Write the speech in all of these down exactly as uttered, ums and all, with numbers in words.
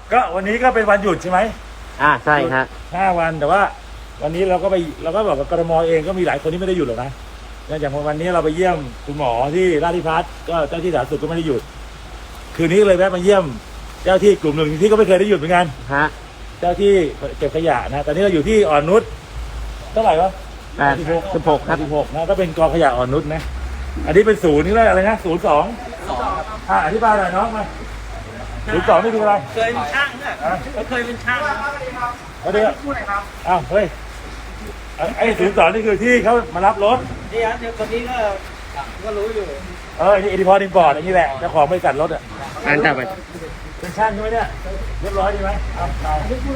ก็วันนี้ก็เป็นวันหยุดใช่ไหมอ่าใช่ฮะห้าวันแต่ว่าวันนี้เราก็ไปเราก็บอกว่ากรมเองก็มีหลายคนที่ไม่ได้หยุดหรอกนะอย่างวันนี้เราไปเยี่ยมคุณหมอที่ราชพิพัฒน์ก็เจ้าที่สาธารณสุขก็ไม่ได้หยุดคืนนี้เลยแวะมาเยี่ยมเจ้าที่กลุ่มหนึ่งที่ก็ไม่เคยได้หยุดเหมือนกันฮะเจ้าที่เก็บขยะนะตอนนี้เราอยู่ที่อ่อนนุชเท่าไหร่วะแปดสิบหกครับสิบหกนะก็เป็นกองขยะอ่อนนุชนะอันนี้เป็นศูนย์นี่เลยอะไรนะศูนย์สองอ่าอธิบายหน่อยน้องมาศูนย์สองนี่คืออะไรเคยเป็นช่างเนี่ยเขาเคยเป็นช่างเอาเดี๋ยวอ้าวเฮ้ยไอ้ศูนย์สองนี่คือที่เขามารับรถนี่ฮะเดี๋ยวคนนี้ก็ก็รู้อยู่เออนี่เอดิพอร์ตอินพอร์ตอันนี้แหละเจ้าของบริษัทรถอ่ะอ่านจับไปเป็นช่างใช่ไหมเนี่ยเรียบร้อยดีไหมเอาเอา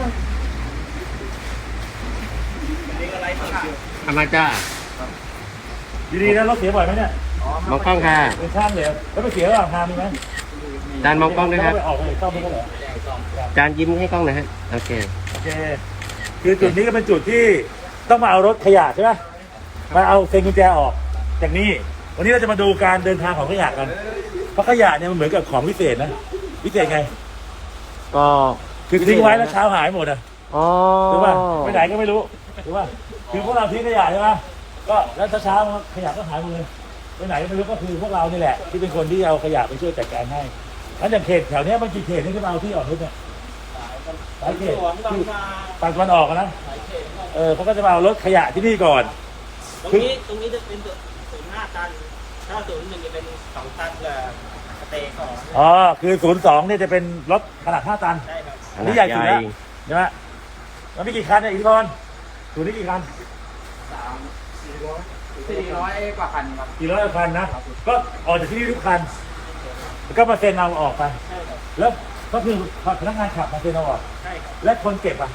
ทำมาจ้าดีๆนะรถเสียบ่อยไหมเนี่ยมองกล้องค่ะเป็นช่างเลยแล้วไปเสียระหว่างทางมีไหมจานมองกล้องด้วยครับออกไปซ่อมไม่ก็เหรอจานยิ้มให้กล้องหน่อยฮะโอเคโอเคคือจุดนี้ก็เป็นจุดที่ต้องมาเอารถขยะใช่ไหมมาเอาเซ็นกุญแจออกจากนี้วันนี้เราจะมาดูการเดินทางของขยะกันเพราะขยะเนี่ยมันเหมือนกับของพิเศษนะพิเศษไงก็คือทิ้งไว้แล้วเช้าหายหมดอ่ะอ๋อถูกป่ะไปไหนก็ไม่รู้ถูกป่ะคือพวกเราทิ้งขยะใช่ไหมก็แล้วเช้าขยะก็หายหมดเลยไปไหนก็ไม่รู้ก็คือพวกเรานี่แหละที่เป็นคนที่เอาขยะไปช่วยจัดการให้งั้นอย่างเขตแถวนี้มันกี่เขตนี่ที่เราที่ออกรถเนี่ยหลายเขตที่ฝั่งตะวันออกนะเออเขาก็จะมาเอารถขยะที่นี่ก่อนตรงนี้ตรงนี้จะเป็นศูนย์ห้าตันถ้าศูนย์หนึ่งจะเป็นสองตันกับสเตย์ของอ๋อคือศูนย์สองเนี่ยจะเป็นรถขนาดห้าตันใช่ครับอันนี้ใหญ่สุดแล้วใช่ไหมแล้วมีกี่คันเนี่ยอิทธิพรศูนย์นี้กี่คันสามสี่ร้อยสี่ร้อยกว่าคันครับสี่ร้อยกว่าคันนะก็ออกจากที่นี่ทุกคันแล้วก็มาเซ็นเอาออกไปแล้วก็คือพนักงานขับมาเซ็นเอาออกและคนเก็บอ่ะ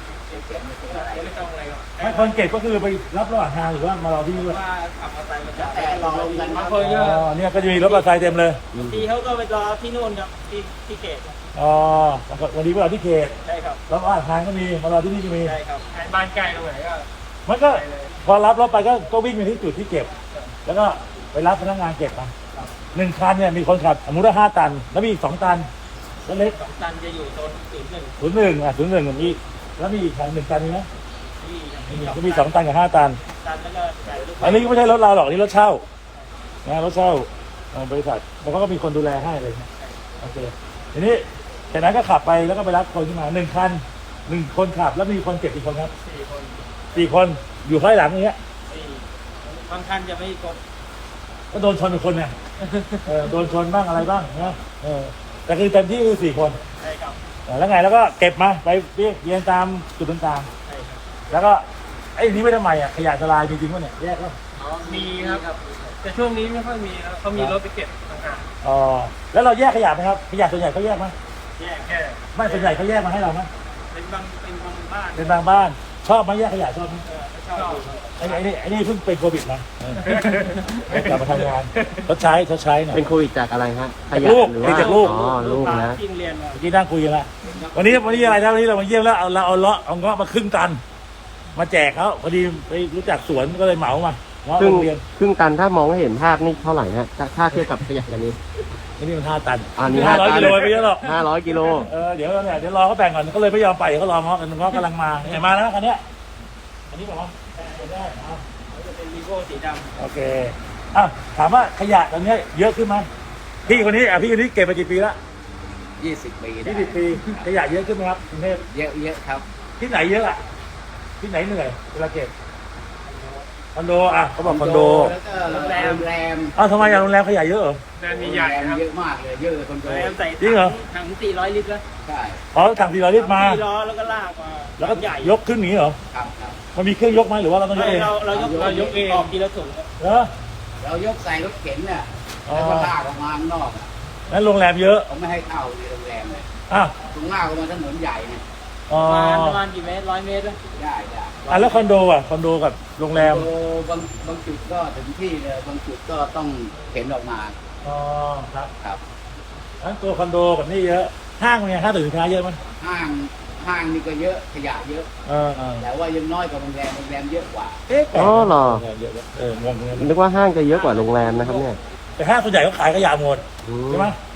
ไม่คนเก็บก็คือไปรับระหว่างทางหรือว่ามารอที่นี่ว่าขับมอเตอร์ไซค์มาจากแต่รอกันมาคนเยอะอ๋อเนี่ยก็จะมีรถมอเตอร์ไซค์เต็มเลยทีเขาก็ไปรอที่นู่นครับที่ที่เขตอ๋อวันนี้ไปรอที่เขตใช่ครับแล้วอ่างทางก็มีมารอที่นี่ก็มีใช่ครับบ้านใกล้ตรงไหนก็มันก็พอรับรถไปก็ก็วิ่งไปที่จุดที่เก็บแล้วก็ไปรับพนักงานเก็บมาหนึ่งคันเนี่ยมีคนขับสมมติว่าห้าตันแล้วมีอีกสองตันแล้วเล็กสองตันจะอยู่โซนศูนย์หนึ่งศูนย์หนึ่งอ่ะศูนย์หนึ่งมีแล้วมีอีกคันหนึ่งตันมีไหมก็มีสองตันกับห้าตันอันนี้ก็ไม่ใช่รถเราหรอกนี่รถเช่านะรถเช่าบริษัทแล้วก็มีคนดูแลให้เลยโอเคทีนี้จากนั้นก็ขับไปแล้วก็ไปรับคนขึ้นมาหนึ่งคันหนึ่งคนขับแล้วมีคนเก็บอีกคนครับสี่คนสี่คนอยู่ข้างหลังอย่างเงี้ยบางคันจะไม่ครบก็โดนชนเป็นคนเนี่ยโดนชนบ้างอะไรบ้างนะแต่คือเต็มที่คือสี่คนใช่ครับแล้วไงแล้วก็เก็บมาไปเรียกเรียงตามจุดต่างๆแล้วก็ไอ้นี้ไม่ทำไมอ่ะขยะทลายมีจริงป่ะเนี่ยแยกก็อ๋อมีครับแต่ช่วงนี้ไม่ค่อยมีแล้วเขามีรถไปเก็บต่างหากอ๋อแล้วเราแยกขยะไหมครับขยะส่วนใหญ่เขาแยกไหมแยกแค่ไม่ส่วนใหญ่เขาแยกมาให้เราไหมเป็นบางเป็นบางบ้านเป็นบางบ้านชอบไหมแยกขยะชอบไหมชอบไอ้นี่ไอ้นี่เพิ่งเป็นโควิดนะกลับมาทำงานชดใช้ชดใช้หน่อยเป็นโควิดจากอะไรฮะขยะลูกติดจากลูกอ๋อลูกนะกินเรียนมาเมื่อกี้นั่งคุยกันละวันนี้วันนี้อะไรนะวันนี้เรามาเยี่ยมแล้วเอาเราเอาเลาะเอาเงาะมาครึ่งตันมาแจกเขาพอดีไปรู้จักสวนก็เลยเหมามาเงาะโรงเรียนครึ่งตันถ้ามองให้เห็นภาพนี่เท่าไหร่ฮะถ้าเทียบกับขยะกันนี้นี่มันห้าตันอันนี้ห้าร้อยกิโลไปเยอะหรอกห้าร้อยกิโลเออเดี๋ยวเนี่ยเดี๋ยวรอเขาแบ่งก่อนเขาเลยไม่ยอมไปเขารอเงาะกันเงาะกำลังมาเห็นมาแล้วคันนี้อันนี้บอกว่าได้เอาจะเป็นวีโก้สีดำโอเคอ่ะถามว่าขยะตอนนี้เยอะขึ้นไหมพี่คนนี้อ่ะพี่คนนี้เก็บมากี่ปีละยี่สิบปียี่สิบปีขยะเยอะขึ้นไหมครับกรุงเทพเยอะเยอะครับที่ไหนเยอะอ่ะที่ไหนเหนื่อยเวลาเก็บคอนโดอ่ะเขาบอกคอนโดแล้วก็โรงแรมโรงแรมอ้าวทำไมอย่างโรงแรมขยะเยอะเหรอโรงแรมใหญ่ครับเยอะมากเลยเยอะเลยคอนโดจริงเหรอถังสี่ร้อยลิตรแล้วใช่อ๋อถังสี่ร้อยลิตรมาสี่ร้อยแล้วก็ลากมาแล้วก็ยกขึ้นนี้เหรอครับครับมันมีเครื่องยกไหมหรือว่าเราต้องยกเองเราเรายกเรายกเองออกทีละถุงเหรอเรายกใส่รถเข็นเนี่ยแล้วก็ลากออกมาข้างนอกนั่นโรงแรมเยอะเขาไม่ให้เข้าในโรงแรมเลยอ้าวตรงหน้าก็มาถนนใหญ่เนี่ยประมาณประมาณกี่เมตรร้อยเมตรได้ได้อ่ะแล้วคอนโดอ่ะคอนโดกับโรงแรมโอ้บางบางจุดก็ถึงที่เลยบางจุดก็ต้องเข็นออกมาอ๋อครับครับทั้งตัวคอนโดกับนี่เยอะห้างเนี่ยห้างสินค้าเยอะมั้ยห้างห้างนี่ก็เยอะขยะเยอะเออแต่ว่ายังน้อยกว่าโรงแรมโรงแรมเยอะกว่าเอ๊ะอ๋อเหรอเอองงนึกว่าห้างจะเยอะกว่าโรงแรมนะครับเนี่ยแต่ห้างส่วนใหญ่เขาขายขยะหมดใช่ไหมใช่เ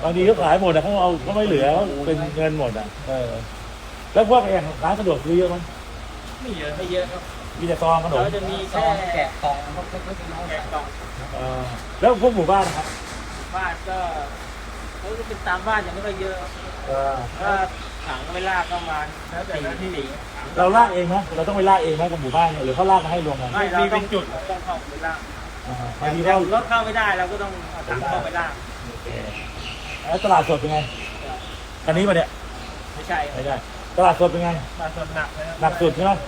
บางทีเขาขายหมดอ่ะเขาเอาเขาไม่เหลือเขาเป็นเงินหมดอ่ะเออแล้วพวกอย่างร้านสะดวกซื้อเยอะมั้ยไม่เยอะไม่เยอะครับมีแต่ซองขนมเราจะมีซแค่องแกะกล่องพวกเล็กๆน้อยแกะกล่องเออแล้วพวกหมู่บ้านนะครับบ้านก็เขาจะเป็นตามบ้านยังไม่ค่อยเยอะเออถ้าถังก็ไม่ลากประมาณสี่สี่เราลากเองไหมเราต้องไปลากเองไหมกับหมู่บ้านเนี่ยหรือเขาลากมาให้รวมกันไม่เราต้องจุดต้องเข้าไปลากอ่าบางทีเราเรารถเข้าไม่ได้เราก็ต้องเอาถังเข้าไปลากโอเคแล้วตลาดสดเป็นไงอันนี้มาเนี่ยไม่ใช่ครัไม่บได้ตลาดสดเป็นไงตลาดสดหนักเลยครับหนักสุดใช่ไหม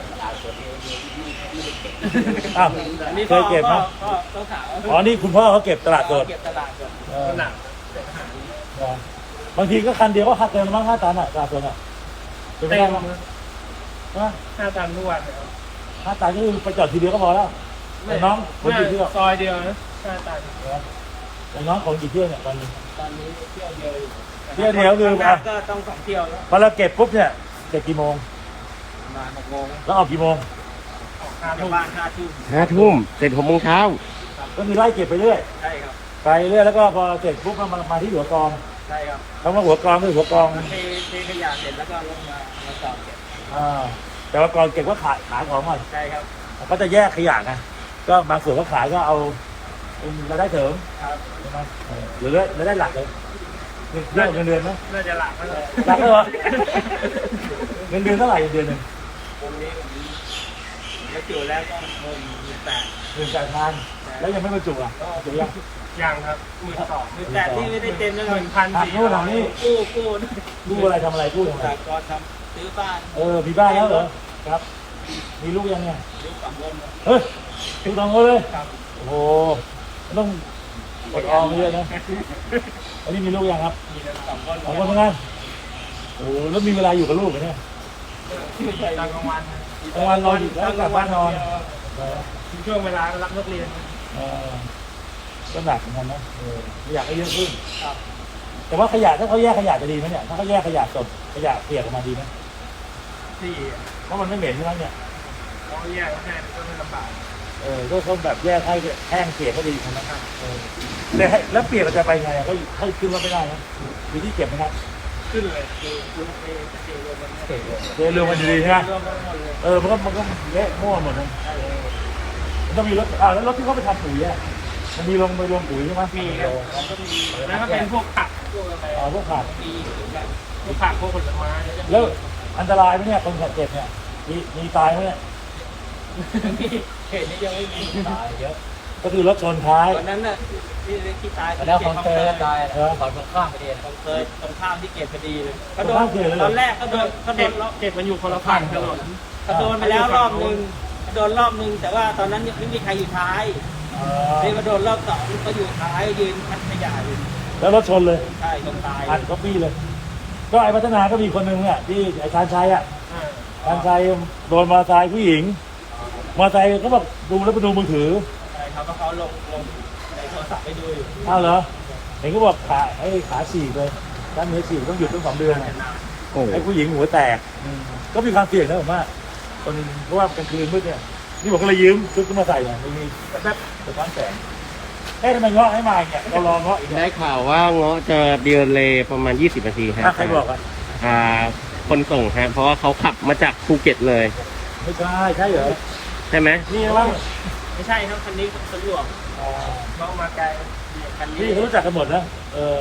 อ้าวอันนี้เคยเก็บไหมก็ต้องถามอ๋อนี่คุณพ่อเขาเก็บตลาดสดเก็บตลาดสดเออหนักบางทีก็คันเดียวก็คัดเต็มแล้วมั้งห้าตันอ่ะตลาดสดอ่ะเป็นไปได้มั้งนะห้าตันทุกวันครับห้าตันก็คือไปจอดทีเดียวก็พอแล้วแต่น้องคนกี่เที่ยวซอยเดียวนะห้าตันแต่น้องของกี่เที่ยวเนี่ยวันนึงตอนนี้เที่ยวเดียวอยู่เที่ยวเดียวคือทำงานก็ต้องสองเที่ยวแล้วพอเราเก็บปุ๊บเนี่ยเก็บกี่โมงประมาณหกโมงแล้วออกกี่โมงออกห้าทุ่มบ้านห้าทุ่มห้าทุ่มเสร็จหกโมงเช้าก็คือไล่เก็บไปเรื่อยใช่ครับไปเรื่อยแล้วก็พอเสร็จปุ๊บก็มามาที่หัวกองใช่ครับคำว่าหัวกองคือหัวกองเทเทขยะเสร็จแล้วก็ลงมามาจอดเก็บอ่าแต่ว่ากองเก็บก็ขายขายของก่อนใช่ครับก็จะแยกขยะไงก็บางส่วนก็ขายก็เอาเป็นรายได้เสริมครับใช่ไหมเออหรือรายได้หลักเลยเงินเดือนเงินเดือนไหมน่าจะหลักแล้วเลยหลักเลยเหรอเงินเดือนเท่าไหร่เงินเดือนหนึ่งตรงนี้ผมเดี๋ยวจุแล้วก็เพิ่มหมื่นแปดหนึ่งแสนพันแล้วยังไม่บรรจุอ่ะจุยังยังครับหมื่นสองหมื่นแปดที่ไม่ได้เต็มนะหมื่นพันหักสี่นู่นหักนี่กู้กู้กู้อะไรทำอะไรกู้ทำอะไรจากก่อนทำซื้อบ้านเออมีบ้านแล้วเหรอครับ มีลูกยังเนี่ยซื้อฝั่งบนเฮ้ยลูกสองคนเลยครับโอ้โหต้องอดออมเยอะนะอันนี้มีลูกยังครับมีสองคนสองคนเหมือนกันโอ้โหแล้วมีเวลาอยู่กับลูกไหมเนี่ยตอนกลางวันกลางวันนอนอยู่แล้วกลับบ้านนอนช่วงเวลารับนักเรียนเออก็หนักเหมือนกันนะเอออยากให้เยอะขึ้นครับแต่ว่าขยะถ้าเขาแยกขยะจะดีไหมเนี่ยถ้าเขาแยกขยะสดขยะเปียกออกมาดีไหมที่เพราะมันไม่เหม็นใช่ไหมเนี่ยเขาแยกแค่ก็ไม่ลำบากเออก็เขาแบบแยกให้แห้งเปียกก็ดีนะครับเออแล้วแล้วเปียกเราจะไปไงอะก็ให้ขึ้นรถไม่ได้นะมีที่เก็บไหมครับขึ้นเลยคือคุณเอเจรวมกันเสร็จเลยเดินเรือมันดีๆใช่ไหมรวมกันหมดเลยเออมันก็มันก็เละมั่วหมดเลยมันต้องมีรถอ่าแล้วรถที่เขาไปทำปุ๋ยอ่ะมันมีลงไปรวมปุ๋ยใช่ไหมมีครับมันก็มีแล้วก็เป็นพวกผักพวกอะไรอ๋อพวกขาดมีแบบพวกผักพวกผลไม้แล้วจะแล้วอันตรายไหมเนี่ยคนขับเจ็บเนี่ยมีมีตายไหมเนี่ยมีเหตุนี้ยังไม่มีตายเยอะก็คือรถชนท้ายวันนั้นน่ะที่ที่ตายแล้วของเตยก็ตายเออขอตรงข้ามไปดีของเคยตรงข้ามที่เกตพอดีเลยเขาโดตรงข้ามเขตเลยเหรอตอนแรกเขาโดนเขาโดนรอบเก็บมันอยู่คนละฝั่งถนนเขาโดนไปแล้วรอบนึงเขาโดนรอบนึงแต่ว่าตอนนั้นยังไม่มีใครอยู่ท้ายเอนี่อมาโดนรอบสองเขาอยู่ท้ายยืนพัดขยะอยู่แล้วรถชนเลยใช่ตรงตายอัดก็ปี้เลย ก็ไอ้พัฒนาก็มีคนหนึ่งเนี่ยที่ไอ้ชานชัยอ่ะอ่าชานชัยโดนมอเตอร์ไซค์ผู้หญิงมอเตอร์ไซค์เขาบอกดูแล้วไปดูมือถือใช่เขาก็เขาลงลงในโทรศัพท์ไปดูอยู่อ้าวเหรอเห็นก็บอกขาไอ้ขาฉีกเลยด้านเนื้อฉีกต้องหยุดตั้งสองเดือนโอ้ไอ้ผู้หญิงหัวแตกก็มีความเสี่ยงนะผมว่าตอนเพราะว่ากลางคืนมืดเนี่ยนี่ผมก็เลยยืมชุดขึ้นมาใส่เนี่ยมีแป๊บๆสะท้อนแสงเอ๊ะทำไมเงาะให้มาเนี่ยเรารอเงาะอีกได้ข่าวว่าเงาะจะเดือนเลยประมาณยี่สิบนาทีคอ่ะรับใครบอกอ่ะอ่าคนส่งฮะเพราะว่าเขาขับมาจากภูเก็ตเลยไม่ใช่ใช่เหรอใช่ไหมนี่นะว่าไม่ใช่ครับคันนี้สะดวกอ๋อเขามาไกลคันนี้นี่เขารู้จักกันหมดนะเออ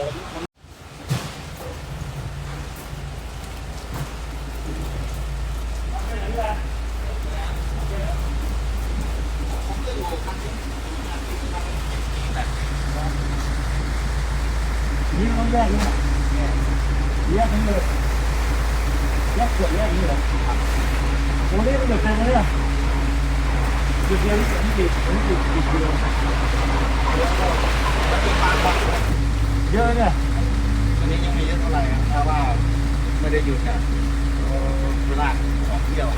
นี่ต้องแยกนี่นะแยกทั้งเลยแยกส่วนแยกนี่เหรอโอ้นี่มันเดือดเต็มเลยเนี่ยเดือดเดียวนี่อันนี้ติดอันนี้ติดติดเดียวเยอะเนี่ยอันนี้ยังไม่เยอะเท่าไหร่ครับเพราะว่าไม่ได้อยู่กับเวลาท่องเที่ยว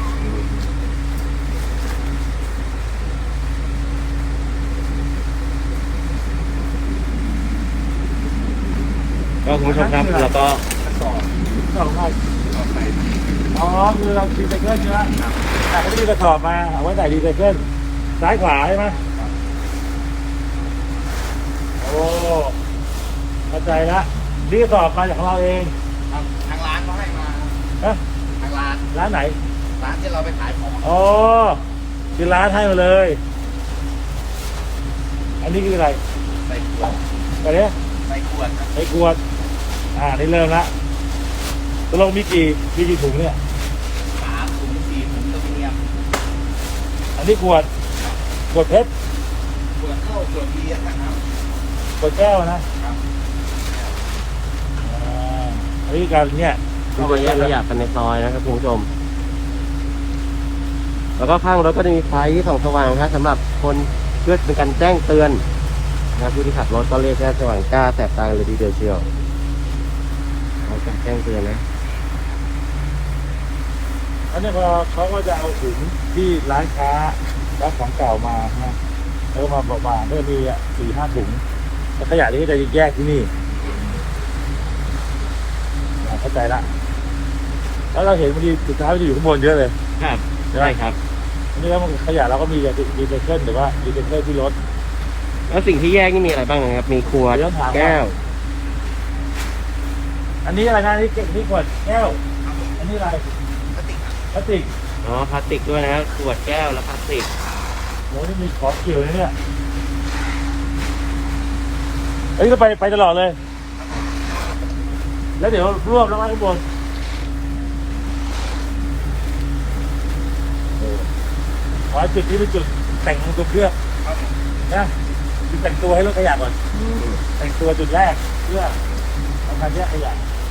ก็คุณผู้ชมครับแล้วก็สองไร่อ๋อคือเราดีไซเคิลใช่ไหมแต่เขาจะมีกระสอบมาเอาไว้ใส่ดีไซเคิลซ้ายขวาใช่ไหมโอ้เข้าใจละนี่กระสอบมาจากของเราเองทางทางร้านเขาให้มานะทางร้านร้านไหนร้านที่เราไปขายของอ๋อคือร้านให้มาเลย อันนี้คืออะไรใส่ขวดอะไรเนี่ยใส่ขวดครับไอ้ขวด อ่า นี่เริ่มละตกลงมีกี่มีกี่ถุงเนี่ยสามถุงสี่ถุงอลูมิเนียมอันนี้ขวด ขวดเพชรขวดเข้าขวดเบียร์นะครับขวดแก้วนะครับ อ่าอันนี้การเนี่ยก็มาแยกขยะกันในซอยนะครับคุณผู้ชม แล้วก็ข้างรถก็จะมีไฟส่องสว่างครับสำหรับคนเพื่อเป็นการแจ้งเตือนนะครับผู้ที่ขับรถก็เรียกแค่สว่างจ้าแสบตาเลยทีเดียวเชียวเขาจะแจ้งเตือนนะอันนี้พอเขาก็จะเอาถุงที่ร้านค้ารับของเก่ามานะแล้วก็มาบอกว่าก็จะมีอ่ะสี่ห้าถุงแล้วขยะนี้ก็จะแยกที่นี่อ่าเข้าใจละแล้วเราเห็นบางทีสุดท้ายมันจะอยู่ข้างบนเยอะเลยครับใช่ไหมใช่ครับอันนี้แล้วมันขยะเราก็มีดีเซเคิลหรือว่าดีเซเคิลที่รถแล้วสิ่งที่แยกนี่มีอะไรบ้างนะครับ มีขวดเดี๋ยวถามแก้วอันนี้อะไรนะอันนี่เก็บนี่ขวดแก้ว อันนี้อะไรพลาสติกครับพลาสติกอ๋อพลาสติกด้วยนะครับขวดแก้วและพลาสติกโหนี่มีของเกี่ยวเลยเนี่ยเอ้ยก็ไปไปตลอดเลย แล้วเดี๋ยวรวบแล้วมาข้างบนขอให้จุดนี้เป็นจุดแต่งตัวเครื่องครับผมนะจุดแต่งตัวให้รถขยะก่อน แต่งตัวจุดแรกเพื่อทำการแยกขยะ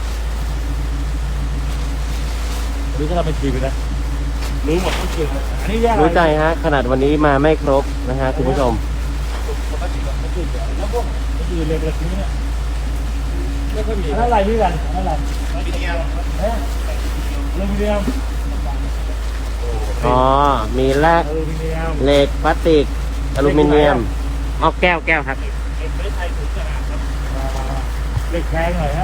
อันนี้ก็ทำเป็นทีมเลยนะรู้หมดทุกสิ่งเลยอันนี้แยกอะไรรู้ใจฮะขนาดวันนี้มาไม่ครบนะฮะคุณผู้ชมปกติเราไม่ติดแล้วพวกอื่นเลยแบบนี้เนี่ยไม่ค่อยมีอะไรนี่กันอะไรอลูมิเนียมเอ๊ะอลูมิเนียมอ๋อ มีแร่อลูมิเนียมเหล็กพลาสติกอลูมิเนียมอ๋อแก้วแก้วครับเอ็นไม่ไทยถึงขนาดครับเล็กแพงหน่อยนะ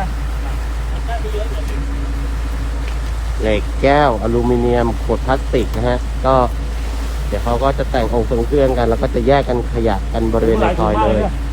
เหล็กแก้วอลูมิเนียมขวดพลาสติกนะฮะ ก็เดี๋ยวเขาก็จะแต่งองค์ทรงเครื่องกัน แล้วก็จะแยกกันขยะกันบริเวณในซอยเลยหลาถุงมาก